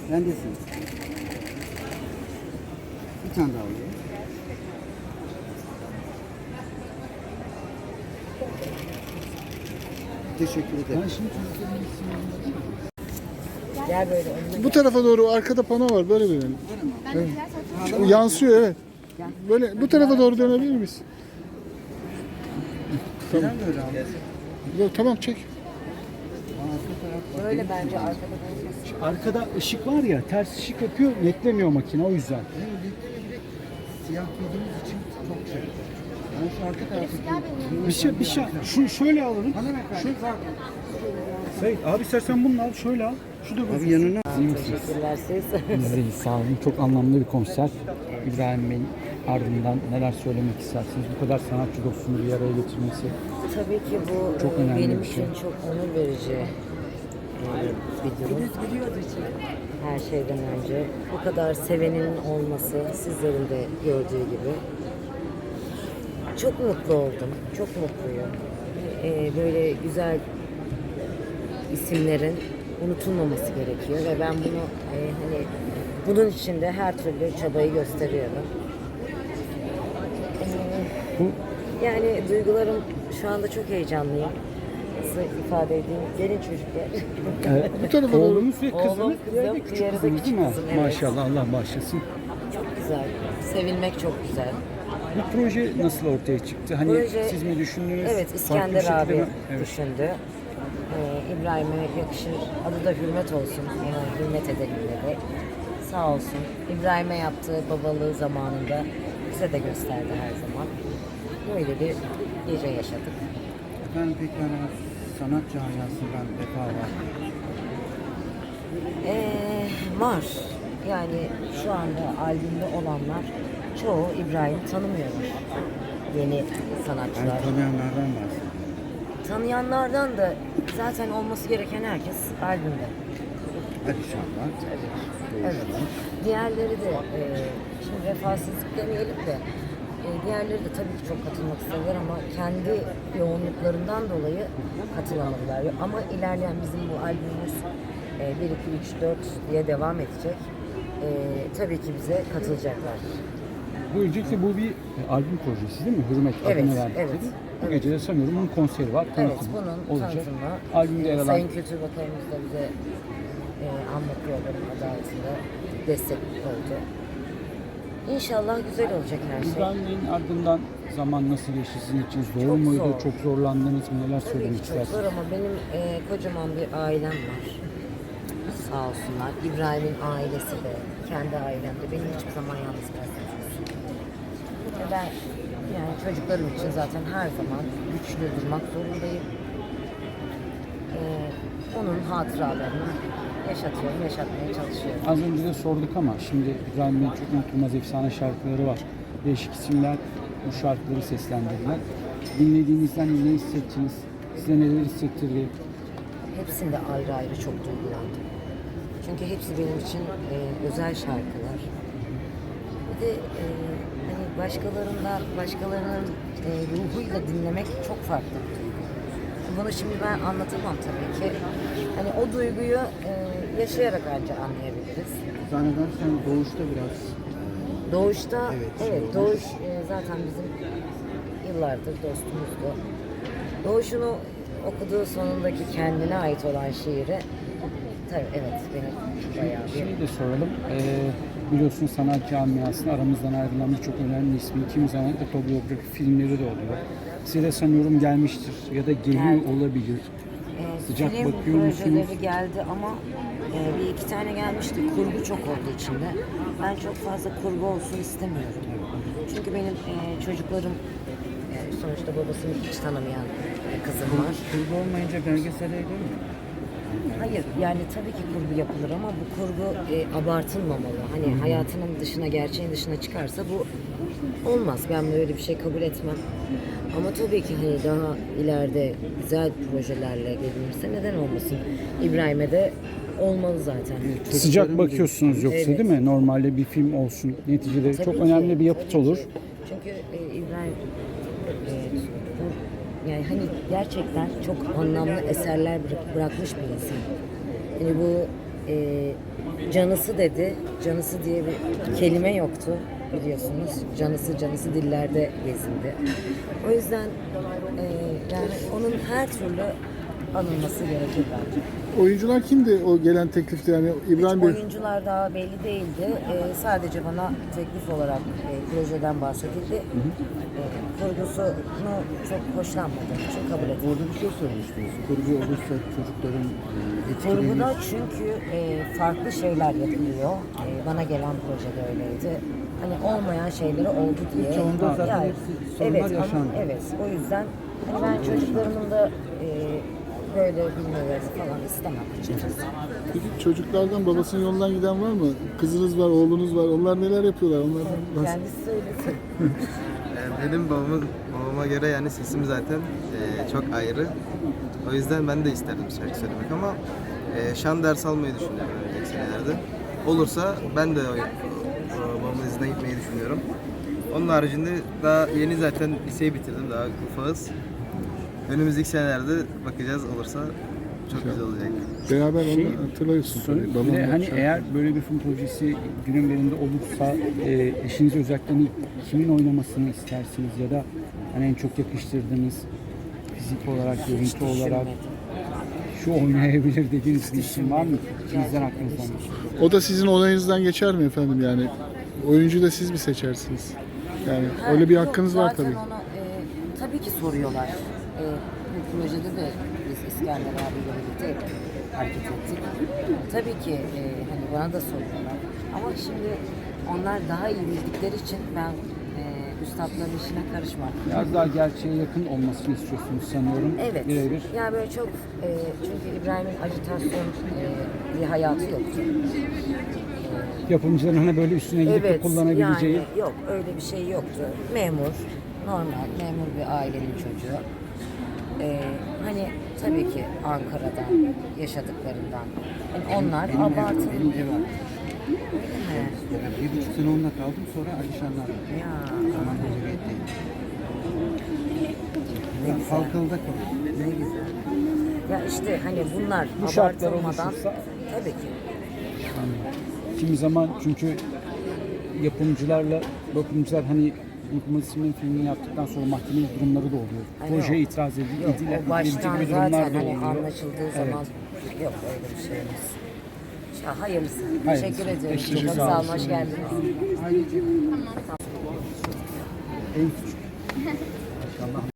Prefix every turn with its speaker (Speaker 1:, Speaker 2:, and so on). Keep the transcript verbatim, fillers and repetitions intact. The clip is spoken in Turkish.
Speaker 1: Bendesin. Bir tane daha alayım. Teşekkür ederim.
Speaker 2: Ben şimdi çocukların isimlerini
Speaker 3: Gel böyle önüne.
Speaker 2: Bu tarafa doğru arkada pano var, böyle dönelim. Evet. O yansıyor, evet. Böyle bu tarafa doğru dönebilir miyiz? Tamam.
Speaker 1: Sen böyle al.
Speaker 2: Yok, tamam, çek.
Speaker 3: Böyle bence arkada olmasın.
Speaker 2: Arkada ışık var ya, ters ışık yapıyor, netlemiyor makine, o yüzden.
Speaker 1: Siyah giydiğimiz için çok şey. Ben şu arka tarafa
Speaker 2: Bir şey, bir şey. Şu şöyle alalım.
Speaker 1: Şu
Speaker 2: Sait abi, istersen bunu al, şöyle al. Şu da bu.
Speaker 1: abi yanına.
Speaker 3: Teşekkürler siz.
Speaker 4: Biz deyiz, sağ olun. Çok anlamlı bir konser. İbrahim Bey'in ardından neler söylemek istersiniz? Bu kadar sanatçı dostunu bir araya getirmesi.
Speaker 3: Tabii ki bu
Speaker 4: Çok
Speaker 3: e,
Speaker 4: önemli
Speaker 3: benim
Speaker 4: bir
Speaker 3: için
Speaker 4: şey.
Speaker 3: çok onur verici e, bir durum. Her şeyden önce bu kadar sevenin olması, sizlerin de gördüğü gibi. Çok mutlu oldum, çok mutluyum. E, böyle güzel isimlerin unutulmaması gerekiyor ve ben bunu e, hani bunun için de her türlü çabayı gösteriyorum. E,
Speaker 4: Bu
Speaker 3: Yani duygularım şu anda çok heyecanlıyım. Nasıl ifade edeyim? Gelin çocuklar.
Speaker 4: e,
Speaker 2: Bu tarafa doğru.
Speaker 4: oğlunuz ve
Speaker 3: Oğlum,
Speaker 4: kızınız,
Speaker 3: kızım,
Speaker 4: diğeri de küçük
Speaker 3: diğeri de
Speaker 4: kızınız
Speaker 3: küçük
Speaker 4: değil mi?
Speaker 3: kızım, evet.
Speaker 4: Maşallah, Allah bağışlasın.
Speaker 3: Çok güzel. Sevilmek çok güzel.
Speaker 4: Bu proje nasıl ortaya çıktı? Hani
Speaker 3: Proje-
Speaker 4: siz mi düşündünüz?
Speaker 3: Evet,
Speaker 4: Farklı bir
Speaker 3: İskender
Speaker 4: şekilde
Speaker 3: abi
Speaker 4: mi? Evet.
Speaker 3: düşündü. Ee, İbrahim'e yakışır. Adı da Hürmet olsun. Ona hürmet edelim dedi. Sağ olsun. İbrahim'e yaptığı babalığı zamanında bize de gösterdi her zaman. Böyle bir gece yaşadık.
Speaker 1: Efendim peki yani sanat camiasından vefa var.
Speaker 3: Ee, var. Yani şu anda albümde olanlar çoğu İbrahim tanımıyorlar. Yeni sanatçılar.
Speaker 1: Yani tanıyanlardan bahsediyorum.
Speaker 3: Tanıyanlardan da zaten olması gereken herkes albümde.
Speaker 1: Hadi inşallah.
Speaker 3: Evet. Diğerleri de e, şimdi vefasızlık demeyelim de e, diğerleri de tabii ki çok katılmak isterler ama kendi yoğunluklarından dolayı katılamadılar. Ama ilerleyen bizim bu albümümüz e, bir, iki, üç, dört diye devam edecek. E, tabii ki bize katılacaklar.
Speaker 4: Bu öncelikle bu bir e, albüm projesi değil mi? Hürmet
Speaker 3: Evet,
Speaker 4: adını verdikleri.
Speaker 3: evet,
Speaker 4: Bu
Speaker 3: evet.
Speaker 4: gece de sanıyorum bunun konseri var.
Speaker 3: Evet,
Speaker 4: Tanıtımı
Speaker 3: bunun
Speaker 4: olacak.
Speaker 3: tanıtımı.
Speaker 4: Albümde yer alan
Speaker 3: Sayın Kültür Bakanımız da bize e, anlatıyorlar adı altında destek oldu. İnşallah güzel olacak her şey.
Speaker 4: İbrahim Bey'in ardından zaman nasıl geçti sizin için? Zor
Speaker 3: Çok
Speaker 4: muydu?
Speaker 3: zor.
Speaker 4: Çok zorlandınız mı? Neler
Speaker 3: Tabii
Speaker 4: söylemek
Speaker 3: ki çok
Speaker 4: istersiniz?
Speaker 3: zor ama benim e, kocaman bir ailem var. Sağ olsunlar. İbrahim'in ailesi de, kendi ailem de beni hiçbir zaman yalnız bırakmaz. Ve ben yani çocuklarım için zaten her zaman güçlü durmak zorundayım. E, onun hatıralarını yaşatıyorum, yaşatmaya çalışıyorum.
Speaker 4: Az önce de sorduk ama şimdi İbrahim Bey'in çok unutulmaz efsane şarkıları var. Değişik isimler bu şarkıları seslendirdiler. Dinlediğinizden ne hissettiniz? Size neler hissettirdi?
Speaker 3: Hepsinde ayrı ayrı çok duygulandım. Çünkü hepsi benim için e, özel şarkılar. Bir de e, hani başkalarından, başkalarının e, ruhuyla dinlemek çok farklı bir duygu. Bunu şimdi ben anlatamam tabii ki. Hani o duyguyu e, yaşayarak ancak anlayabiliriz.
Speaker 1: Zannedersem doğuşta biraz
Speaker 3: Doğuşta,
Speaker 1: Evet,
Speaker 3: evet,
Speaker 1: şey
Speaker 3: Doğuş e, zaten bizim yıllardır dostumuzdu. Doğuş'unu okuduğu sonundaki kendine ait olan şiiri, tabii evet benim bayağı bir...
Speaker 4: Şimdi de soralım. Ee, biliyorsunuz sanat camiasında aramızdan ayrılan birçok önemli ismi, kimi zaman otobiyografi filmleri de oluyor. Size de sanıyorum gelmiştir ya da geliyor
Speaker 3: Geldi.
Speaker 4: olabilir.
Speaker 3: E,
Speaker 4: Sıcak
Speaker 3: film
Speaker 4: bakıyor
Speaker 3: projeleri
Speaker 4: musunuz?
Speaker 3: geldi ama e, bir iki tane gelmişti. Kurgu çok oldu içinde. Ben çok fazla kurgu olsun istemiyorum. Çünkü benim e, çocuklarım e, sonuçta babasını hiç tanımayan bir kızım var.
Speaker 1: kurgu olmayınca belgesele değil mi?
Speaker 3: Hayır yani tabii ki kurgu yapılır ama bu kurgu e, abartılmamalı. Hani hayatının dışına, gerçeğin dışına çıkarsa bu olmaz. Ben böyle bir şey kabul etmem. Ama tabii ki hani daha ileride güzel projelerle gelinirse neden olmasın? İbrahim'e de olmalı zaten.
Speaker 4: Sıcak bakıyorsunuz yoksa
Speaker 3: Evet.
Speaker 4: değil mi? Normalde bir film olsun. Neticede
Speaker 3: Tabii
Speaker 4: çok
Speaker 3: ki,
Speaker 4: önemli bir yapıt
Speaker 3: tabii
Speaker 4: olur.
Speaker 3: ki. Çünkü e, İbrahim e, bu, yani hani gerçekten çok anlamlı eserler bırak- bırakmış bir insan. Yani bu e, canısı dedi. Canısı diye bir kelime yoktu biliyorsunuz. Canısı canısı dillerde gezindi. O yüzden e, yani onun her türlü anılması gerekir bence.
Speaker 2: Oyuncular kimdi o gelen teklifte yani İbrahim Bey?
Speaker 3: Oyuncular daha belli değildi. Ee, sadece bana teklif olarak e, projeden bahsedildi. E, kurgusunu çok hoşlanmadığım için kabul ettim.
Speaker 1: Orada bir şey söylemiştiniz. Kurgu olursa çocukların e, etkilenir.
Speaker 3: Kurguda çünkü e, farklı şeyler yapılıyor. E, bana gelen projede öyleydi. Hani olmayan şeyleri oldu diye.
Speaker 1: Çoğunda zaten hepsi sorunlar
Speaker 3: evet,
Speaker 1: yaşandı.
Speaker 3: Ama, evet, o yüzden hani ben çocuklarımın da e, böyle bilmelerini falan istemem açıkçası.
Speaker 2: Peki çocuklardan babasının yolundan giden var mı? Kızınız var, oğlunuz var. Onlar neler yapıyorlar? Onlardan bahsedin.
Speaker 3: Kendisi söylesin.
Speaker 5: Ee, Benim babamın, babama göre yani sesim zaten e, çok ayrı. O yüzden ben de isterdim şarkı söylemek ama e, şan ders almayı düşünüyorum önümüzdeki senelerde. Olursa ben de o, o, babamın izine gitmeyi düşünüyorum. Onun haricinde daha yeni zaten liseyi bitirdim, daha ufağız. Önümüzdeki senelerde bakacağız, olursa çok güzel olacak.
Speaker 2: Beraber
Speaker 4: Şey,
Speaker 2: onu hatırlıyorsun
Speaker 4: Sonra
Speaker 2: tabii.
Speaker 4: bir de
Speaker 2: Babamla
Speaker 4: hani
Speaker 2: şarkı-
Speaker 4: eğer böyle bir film projesi günün birinde olursa e, eşiniz özellikle hani kimin oynamasını istersiniz ya da hani en çok yakıştırdığınız fizik olarak, görüntü olarak şu oynayabilir dediğiniz bir isim var mı? İkinizden aklınızdan geçiyor.
Speaker 2: O da sizin onayınızdan geçer mi efendim yani? Oyuncuyu da siz mi seçersiniz? Yani
Speaker 3: Ha,
Speaker 2: öyle bir
Speaker 3: yok,
Speaker 2: hakkınız var
Speaker 3: zaten
Speaker 2: tabii.
Speaker 3: Ona, e, tabii ki soruyorlar. E, bu projede de biz İskender abiyle birlikte hareket ettik. Tabii ki e, hani bana da soruyorlar. Ama şimdi onlar daha iyi bildikleri için ben e, üstadların işine karışmam.
Speaker 4: Biraz daha gerçeğe yakın olmasını istiyorsunuz sanıyorum.
Speaker 3: Evet.
Speaker 4: Birebir.
Speaker 3: Yani böyle çok e, çünkü İbrahim'in ajitasyon e, bir hayatı yoktu.
Speaker 4: Yapımcıların hani böyle üstüne gidip de
Speaker 3: Evet,
Speaker 4: kullanabileceği.
Speaker 3: yani yok öyle bir şey yoktu. Memur, normal memur bir ailenin çocuğu. Ee, hani tabii ki Ankara'dan yaşadıklarından. Yani onlar
Speaker 1: Benim ev,
Speaker 3: abartılı.
Speaker 1: benim ev var.
Speaker 3: Öyle mi?
Speaker 1: Yani bir buçuk sene onunla kaldım, sonra Alişanlar'la.
Speaker 3: Ya,
Speaker 1: Zaman Cumhuriyet'teyim.
Speaker 3: ne
Speaker 1: Ben
Speaker 3: güzel.
Speaker 1: Halkalı'da kaldım.
Speaker 3: Ne güzel. Ya işte hani bunlar
Speaker 4: Bu şartlar
Speaker 3: abartılmadan
Speaker 4: oluşursa-
Speaker 3: tabii ki.
Speaker 4: Kimi zaman çünkü yapımcılarla yapımcılar hani Unutulmaz İsimlerin filmini yaptıktan sonra mahkemelik durumları da oluyor.
Speaker 3: Ay,
Speaker 4: Projeye
Speaker 3: yok.
Speaker 4: itiraz edildi,
Speaker 3: Yok,
Speaker 4: edilen,
Speaker 3: o baştan
Speaker 4: edilecek gibi
Speaker 3: zaten
Speaker 4: durumlar da
Speaker 3: hani
Speaker 4: oluyor.
Speaker 3: anlaşıldığı
Speaker 4: Evet.
Speaker 3: zaman yok öyle bir şeyimiz. Ya, hayırlısı.
Speaker 4: Hayırlısı.
Speaker 3: Teşekkür ediyorum.
Speaker 4: Teşekkür
Speaker 3: Çok
Speaker 4: sağ
Speaker 3: sağ
Speaker 4: olun.
Speaker 3: olun. Hoş geldiniz.
Speaker 1: Ailecek.
Speaker 4: En küçük.